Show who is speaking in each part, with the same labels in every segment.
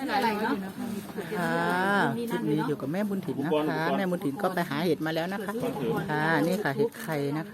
Speaker 1: อะไรเนาะ
Speaker 2: คลิปนี้อยู่กับแม่บุญถิ่นนะคะแม่บุญถิ่นก็ไปหาเห็ดมาแล้วนะคะค่ะนี่ค่ะเห็ดไข่นะคะ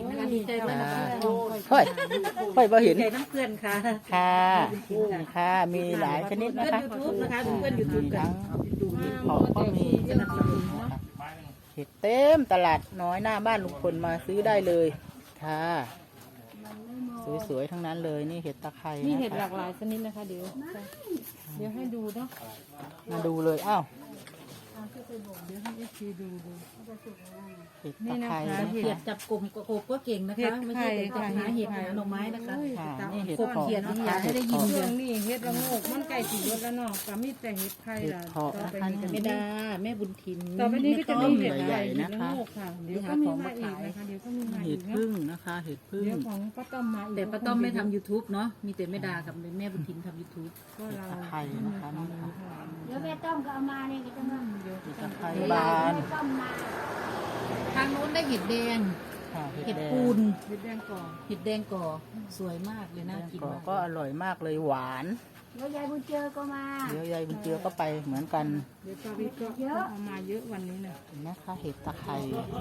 Speaker 2: ค่อยพอเห็น
Speaker 1: น้ำเกลือนค่ะ
Speaker 2: ค่ะมีหลายชนิดนะคะ
Speaker 1: เพื่อนยูทูบกัน
Speaker 2: เห็ดเพาะก็มีเห็ดเต็มตลาดน้อยหน้าบ้านลุงพลมาซื้อได้เลยค่ะสวยๆทั้งนั้นเลยนี่เห็ดตะไคร้
Speaker 3: นี่เห็ดหลากหลายชนิดนะคะเดี๋ยวให้ดูเนาะ
Speaker 2: มาดูเลยอ้าว
Speaker 3: เดี๋ยวให้เอฟซีดู
Speaker 2: เห็ดตะไคร้
Speaker 1: เห็ดจับกลุ่มกบก็เก่งนะคะไม่ใช่แต่หาเห็ดหาหน่อไม้นะคะ
Speaker 2: นี่เห็ด
Speaker 1: กบเขียนนะคะให้ได้ยิน
Speaker 3: เรื่องนี้เห็ดละโงกมันไก่สีรสแล้วเนาะก็มีแต่เห็ดไข่ล่ะต่อไปนี้
Speaker 1: แม่ดาแม่บุญถิ่น
Speaker 3: ต่อไปนี้ก็จะมีเห็ดใหญ่เห็ดละโงกค่ะเดี๋ยวก็มีมาอีกนะคะเดี๋ยวก็มีมาอี
Speaker 2: เห็ด
Speaker 3: ก
Speaker 2: พึ่งนะคะเห็ดพึ่ง
Speaker 3: เดี๋ยวของป้าต้อมมาอีก
Speaker 1: แต่ป้าต้อมไม่ทำ YouTube เนาะมีแต่แม่ดากับแม่บุญถิ่นทำ YouTube
Speaker 3: ก็เรา
Speaker 2: ตะไคร้นะคะนี่ค่ะ
Speaker 4: เดี๋ยวแม่ต้อมก็เอามาเนี่ยก็จะมา
Speaker 2: เห็ดตะไคร้บาน
Speaker 4: ต้อมมา
Speaker 1: ทางโน้นได้เห็ดแดง เห็ดปูน
Speaker 3: เห็ดแดงก่อ
Speaker 1: เห็ดแดงก่อสวยมากเลยน่ากินมาก
Speaker 2: ก็อร่อยมากเลยหวาน
Speaker 4: เดี๋ยวยายบุญเจอก็มา
Speaker 2: เดี๋ยวยายบุญเจือก็ไปเหมือนกัน
Speaker 3: เดี๋ยวป้าวิทย์ก็เอามาเยอะวันนี้นะ
Speaker 2: นะคะเห็ดตะไคร้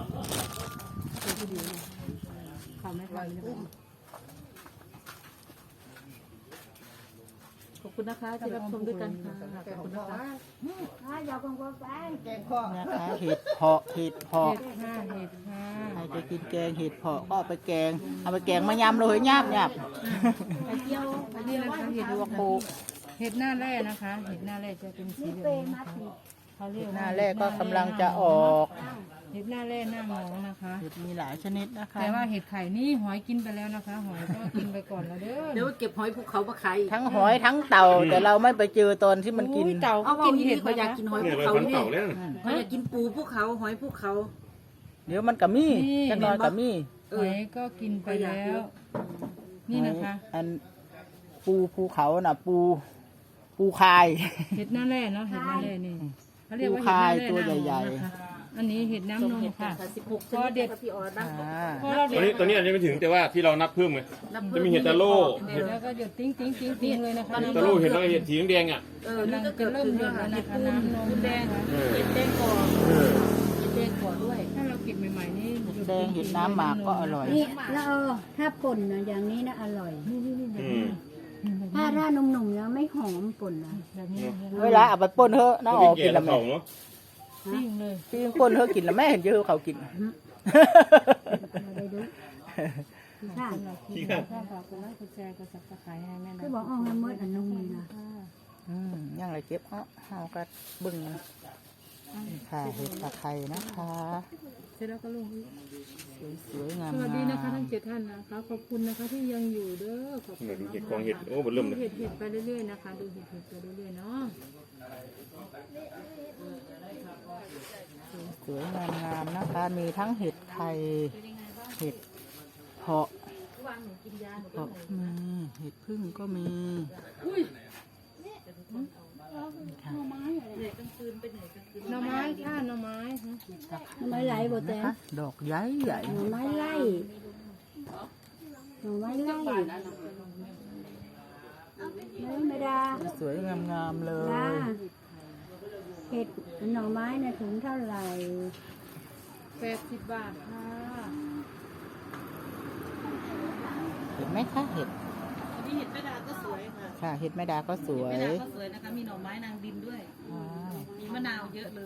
Speaker 3: เขาไม่ทำ
Speaker 1: ขอบคุณนะคะที่รับชมด้วยกันค่ะขอบคุณนะคะ
Speaker 4: อยากกงกงไป
Speaker 2: นะคะเห็ดเพาะ
Speaker 3: เห็ดค่ะ
Speaker 2: ใครจะกินแกงเห็ดเพาะก็เอาไปแกงมายำเลยยาบ
Speaker 1: ไข่เจียว
Speaker 3: นี่นะคะเห็ด
Speaker 2: ลวกโค
Speaker 3: เห็ดหน้าแร่นะคะ เห็ดหน้าแร่จะเป็นสีเหลืองนะคะเขาเรียก
Speaker 2: หน้าแรกก็กำลังจะออก
Speaker 3: เห็ดหน้าแร่หน้ามองนะคะ
Speaker 2: เห็ดมีหลายชนิดนะคะ
Speaker 3: แต่ว่าเห็ดไข่นี่หอยกินไปแล้วนะคะ หอยก็กินไปก่อนแล้วเด้อ
Speaker 1: เดี๋ยวเก็บหอยภูเขามาขาย
Speaker 2: ทั้งหอยทั้งเต่าแต่เราไม่ไปเจอตอนที่มันกิน
Speaker 3: เต่า
Speaker 1: เอา
Speaker 3: ก็
Speaker 1: กิน
Speaker 3: เห็
Speaker 1: เห็
Speaker 3: ด
Speaker 1: ดเขาอยากกินหอยภูเขานี่เขาอยากกินปูภูเขาหอยภูเขา
Speaker 2: เดี๋ยวมันกับมี่จักหน้อยกับมี่
Speaker 3: หอยก็กินไปแล้ว นี่นะคะ
Speaker 2: อันปูภูเขาน่ะปูคาย
Speaker 3: เห็ดหน้าแร่เนาะเห็ดหน้าแร่นี่เขาเรียกว่าเห็ดห
Speaker 2: คา
Speaker 3: น้าย แร่
Speaker 2: ตัว
Speaker 3: หน้าม
Speaker 2: ใหญ่
Speaker 3: องนะคะอันนี้เห็ดน้ำนมค่ะ
Speaker 1: พอเด็ดพี่ออบ้าง
Speaker 3: พอเรา
Speaker 5: ตัวนี้อาจจะไม่ถึงแต่ว่าที่เรานับเพิ่มไงจะมีเห็ดตะโล่
Speaker 3: แล้วก็หยดติ้งติ้งติ้งติ้งเลยนะคะ
Speaker 5: ตะโล่เห็ดแล้วก็เห็ดสีแดงอ่ะ
Speaker 1: นี่ก็เกิด
Speaker 3: เริ่ม
Speaker 1: ขึ้น
Speaker 3: เดือ
Speaker 1: แล้ว
Speaker 3: ดแล้ว
Speaker 1: ค่ะ
Speaker 3: นะ
Speaker 1: เห็ด
Speaker 3: คะ
Speaker 1: ปูน
Speaker 3: น้ำนม
Speaker 1: เห็ดแดงก่อเห็ดแดงก่อด้วย
Speaker 3: ถ้าเราเก็บใหม่ๆนี่
Speaker 2: แดงเห็ดน้ำหมากก็อร่อย
Speaker 4: นี่แล้วถ้าป่นนะอย่างนี้นะอร่อย ถ้าหนุ่มๆแล้วไม่หอมป่นนะ
Speaker 3: แบบนี้
Speaker 2: เวลาเอาไปป่นเถอะน้าออกกินแล้วแม่
Speaker 5: เนาะ
Speaker 3: ปิ้งเลย
Speaker 2: พี่ป่นเถอะกินแล้วแม่เห็นเยอะเขากิน
Speaker 4: ไปดูค่ะ
Speaker 3: ถ้าฝากกดไลค์กดแชร์กดซับสไครต์ให้แม่
Speaker 4: คือ
Speaker 3: นะ
Speaker 4: บอกเอาให้เมื่ออันนุ่มเลยนะ
Speaker 2: ยังไรเก็บเอาก็บึ้งค่ะเห็ดตะไคร้นะคะ
Speaker 3: เสร็จแล้วก็ลง
Speaker 2: สวยงาม
Speaker 3: สวัสดีนะคะทั้ง7ท่านนะคะขอบคุณนะคะที่ยังอยู่เด้อขอบคุณ
Speaker 5: เห็ดกองเห็ดโอ้บนเริ่มเลย
Speaker 3: เห็ดไปเรื่อยๆนะคะดูเห็ดไปเรื่อยๆเนาะ
Speaker 2: สวยงามนะคะ มีทั้งเห็ดไข่เห็ดเพาะมีเห็ดพึ่งก็มีค่ะ
Speaker 3: หน่อไม้ค่ะหน่อไม้
Speaker 4: ไม่ไหลบ่แต่
Speaker 2: นะคะดอกใหญ่ใหญ่
Speaker 4: หน่อไม้ไล่หน่อไม้ไล่ไม่ได้
Speaker 2: สวยงามๆเล
Speaker 4: จ้าย เห็ดหน่อไม้นะถุงเท่าไหร่
Speaker 3: 80 บาทค่ะ
Speaker 2: เห็นไหมคะเห็ด
Speaker 1: อันนี้เห็ดแม่ดาก็สวยค่ะ
Speaker 2: ค่ะเห็ดแม่ดาก็สวย
Speaker 1: แม่ดาก็สวยนะคะมีหน่อไม้นางดินด้วย มีมะนาวเยอะเลย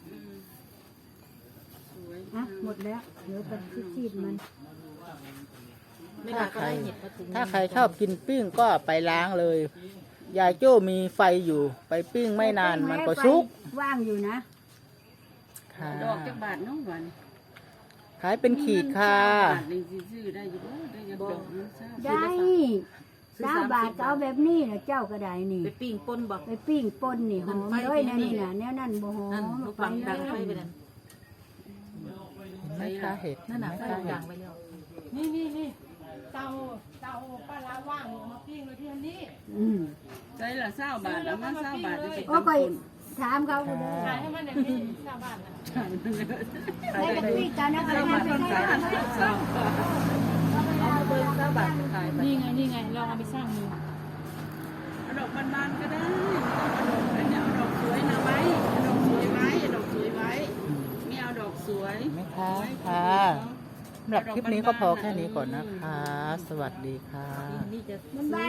Speaker 4: อ่ะหมดแล้วเดี๋ยวไปชีดมัน
Speaker 1: แม่ดาก็ได้เห็ดมาถุง
Speaker 2: ถ้าใครชอบกินปิ้งก็ไปล้างเลย ยายโจ้มีไฟอยู่ไปปิ้งไม่นานมันก็ชุก
Speaker 4: ว่างอยู่นะ
Speaker 2: ค่ะ
Speaker 1: ดอกจักบาทน้องหวาน
Speaker 2: ขายเป็นขีดค่ะ
Speaker 1: ซื้อได้อยู่ได้ยังดอกนึงซ่า
Speaker 4: ได้3 บาทก็เอาแบบนี้นะเจ้าก็ได้นี่
Speaker 1: ไปปิ้งป่นบอก
Speaker 4: ไปปิ้งป่นนี่หอมเลยนะนี่นะแนวนั้นบ่หอ
Speaker 1: นั่น
Speaker 4: ม
Speaker 1: ลูกฟังดังไฟไปนั่น
Speaker 2: เห็นไหมคะเห็ด
Speaker 1: นั่นน่ะไฟ
Speaker 2: เห็นไหม
Speaker 1: ดั
Speaker 2: คะ
Speaker 1: งไปแล้ว
Speaker 3: นี่เตาป้าละว่างมาปิ้งเลยที่อันนี้
Speaker 1: ใช่ละ20 บาทแล้วมัน20 บาทจะเป็น
Speaker 4: โอ้ก็ถามเขาดู
Speaker 3: ขายให้มันอย่างนี้ชาวบ้านนะ
Speaker 4: ได้กับปิ้งกันนะอะไรนะเป็นไง
Speaker 1: เอาเบอร์20 บาทขายไป
Speaker 3: นี่ไงลองเอาไปสร้างมือ
Speaker 1: ดอกบานๆก็ได้
Speaker 2: นะคะค่ะสำหรับคลิปนี้ก็พอแค่นี้ก่อนนะคะ สวัสดีค่ะ
Speaker 1: นี่จะ
Speaker 4: บ้าน